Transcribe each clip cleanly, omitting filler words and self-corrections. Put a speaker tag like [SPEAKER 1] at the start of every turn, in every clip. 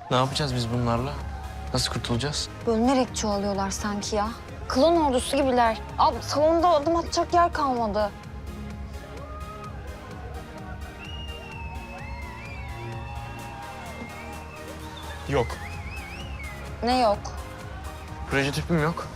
[SPEAKER 1] Ne yapacağız biz bunlarla? Nasıl kurtulacağız?
[SPEAKER 2] Bölünerek çoğalıyorlar sanki ya. Klon ordusu gibiler. Abi salonda adım atacak yer kalmadı.
[SPEAKER 1] Yok.
[SPEAKER 2] Ne yok?
[SPEAKER 1] Proje tüpüm yok.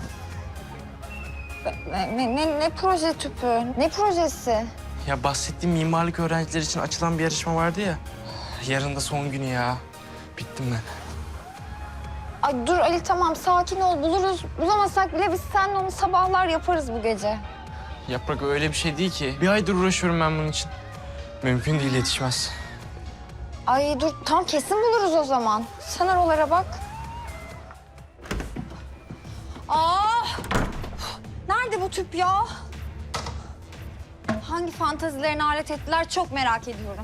[SPEAKER 2] Ne proje tüpü? Ne projesi?
[SPEAKER 1] Ya bahsettiğim mimarlık öğrencileri için açılan bir yarışma vardı ya. Yarın da son günü ya. Bittim ben.
[SPEAKER 2] Ay dur Ali tamam sakin ol buluruz. Bulamasak bile biz seninle onu sabahlar yaparız bu gece.
[SPEAKER 1] Yaprak öyle bir şey değil ki. Bir aydır uğraşıyorum ben bunun için. Mümkün değil, yetişmez.
[SPEAKER 2] Ay dur tam kesin buluruz o zaman. Sen oralara bak. Aa! Nerede bu tüp ya? Hangi fantazilerine alet ettiler çok merak ediyorum.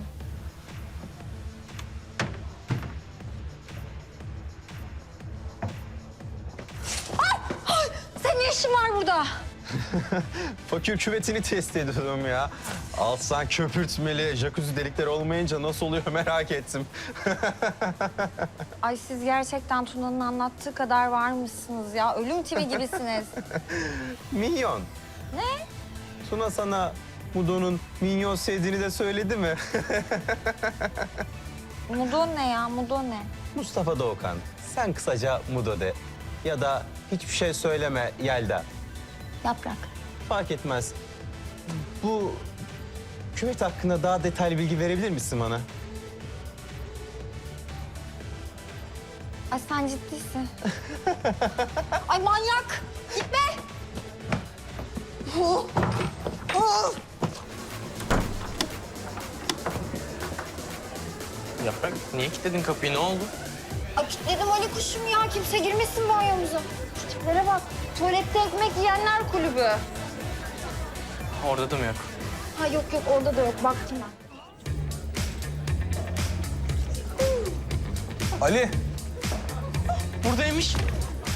[SPEAKER 2] Ay! Senin ne işin var burada?
[SPEAKER 3] Fakir küvetini test ediyorum ya. Alsan köpürtmeli, jacuzzi delikleri olmayınca nasıl oluyor merak ettim.
[SPEAKER 2] Ay siz gerçekten Tuna'nın anlattığı kadar varmışsınız ya. Ölüm tivi gibisiniz.
[SPEAKER 3] Minyon.
[SPEAKER 2] Ne?
[SPEAKER 3] Tuna sana Mudo'nun minyon sevdiğini de söyledi mi?
[SPEAKER 2] Mudo ne ya? Mudo ne?
[SPEAKER 3] Mustafa Doğukan, sen kısaca Mudo de. Ya da hiçbir şey söyleme Yelda.
[SPEAKER 2] Yaprak.
[SPEAKER 3] Fark etmez. Bu küvet hakkında daha detaylı bilgi verebilir misin bana?
[SPEAKER 2] Ay sen ciddisin. Ay manyak! Gitme!
[SPEAKER 1] Yaprak niye kilitledin kapıyı, ne oldu?
[SPEAKER 2] Ay kilitledim Ali kuşum ya. Kimse girmesin banyomuza. Şu tiplere bak. Tuvalette ekmek yiyenler kulübü.
[SPEAKER 1] Orada da mı yok?
[SPEAKER 2] Ha yok orada da yok. Baktım ben.
[SPEAKER 3] Ali.
[SPEAKER 1] Buradaymış.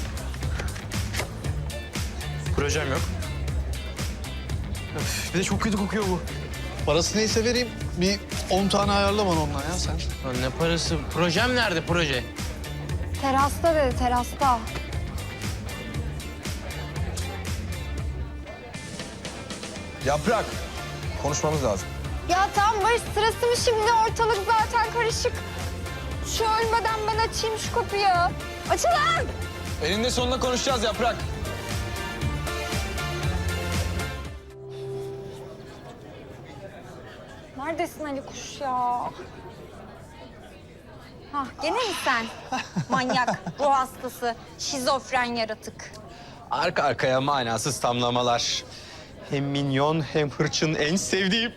[SPEAKER 1] Projem yok. Öf, bir de çok kötü kokuyor bu.
[SPEAKER 4] Parası neyse vereyim. Bir 10 tane ayarla bana ondan ya sen.
[SPEAKER 1] Lan ne parası? Projem nerede, proje?
[SPEAKER 2] Terasta dedi terasta.
[SPEAKER 5] Yaprak, konuşmamız lazım.
[SPEAKER 2] Ya tamam Barış sırası mı şimdi? Ortalık zaten karışık. Şu ölmeden ben açayım şu kapıyı. Açılın!
[SPEAKER 5] Eninde sonunda konuşacağız Yaprak.
[SPEAKER 2] Neredesin Ali kuş ya? Hah gene mi sen? Manyak, ruh hastası, şizofren yaratık.
[SPEAKER 3] Arka arkaya manasız tamlamalar. Hem minyon hem hırçın en sevdiğim.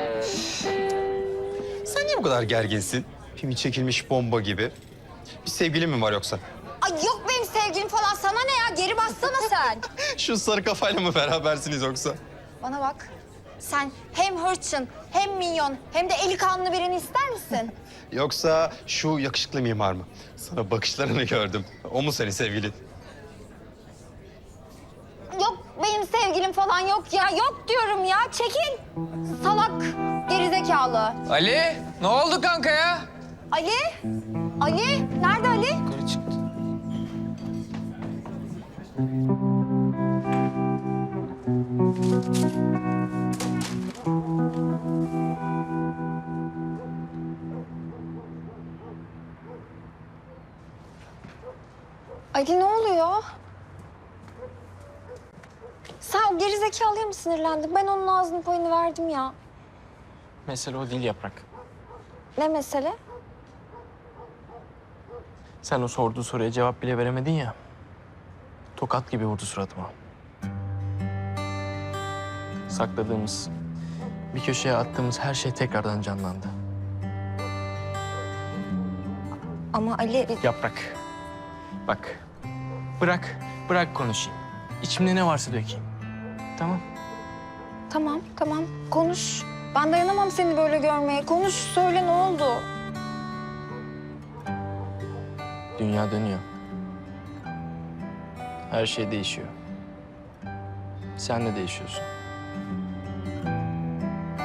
[SPEAKER 3] Sen niye bu kadar gerginsin? Pimi çekilmiş bomba gibi. Bir sevgilin mi var yoksa?
[SPEAKER 2] Ay yok benim sevgilim falan. Sana ne ya? Geri bassana sen.
[SPEAKER 3] Şu sarı kafayla mı berabersiniz yoksa?
[SPEAKER 2] Bana bak. Sen hem hırçın, hem minyon, hem de eli kanlı birini ister misin?
[SPEAKER 3] Yoksa şu yakışıklı mimar mı? Sana bakışlarını gördüm. O mu senin sevgilin?
[SPEAKER 2] Yok benim sevgilim falan yok ya. Yok diyorum ya. Çekil. Salak, gerizekalı.
[SPEAKER 5] Ali, ne oldu kanka ya?
[SPEAKER 2] Ali? Ali? Nerede Ali?
[SPEAKER 1] Yukarı çıktı.
[SPEAKER 2] Ali ne oluyor? Sen o gerizekalıya mı sinirlendin? Ben onun ağzının payını verdim ya.
[SPEAKER 1] Mesele o değil Yaprak.
[SPEAKER 2] Ne mesele?
[SPEAKER 1] Sen o sorduğu soruya cevap bile veremedin ya. Tokat gibi vurdu suratıma. Sakladığımız, bir köşeye attığımız her şey tekrardan canlandı.
[SPEAKER 2] Ama Ali...
[SPEAKER 1] Yaprak, bak. Bırak konuşayım. İçimde ne varsa dökeyim. Tamam?
[SPEAKER 2] Tamam. Konuş. Ben dayanamam seni böyle görmeye. Konuş, söyle ne oldu?
[SPEAKER 1] Dünya dönüyor. Her şey değişiyor. Sen de değişiyorsun.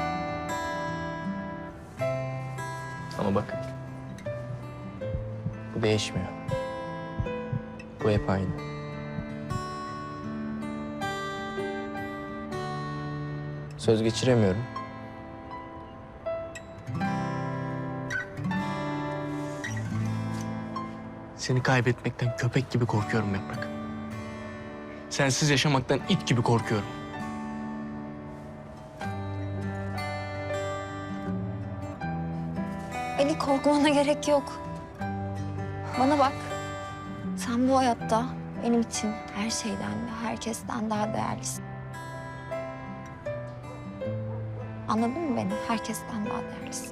[SPEAKER 1] Ama bak. Bu değişmiyor. Bu hep aynı. Söz geçiremiyorum. Seni kaybetmekten köpek gibi korkuyorum Yaprak. Sensiz yaşamaktan it gibi korkuyorum.
[SPEAKER 2] Ali, korkmana gerek yok. Bana bak. Sen bu hayatta benim için her şeyden ve herkesten daha değerlisin. Anladın mı beni? Herkesten daha değerlisin.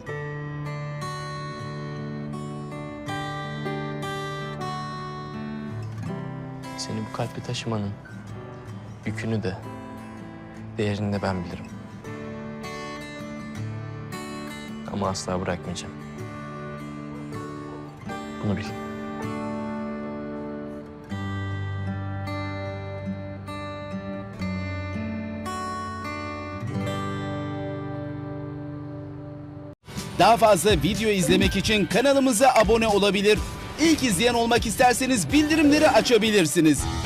[SPEAKER 1] Seni bu kalple taşımanın yükünü de, değerini de ben bilirim. Ama asla bırakmayacağım. Bunu bil.
[SPEAKER 6] Daha fazla video izlemek için kanalımıza abone olabilir. İlk izleyen olmak isterseniz bildirimleri açabilirsiniz.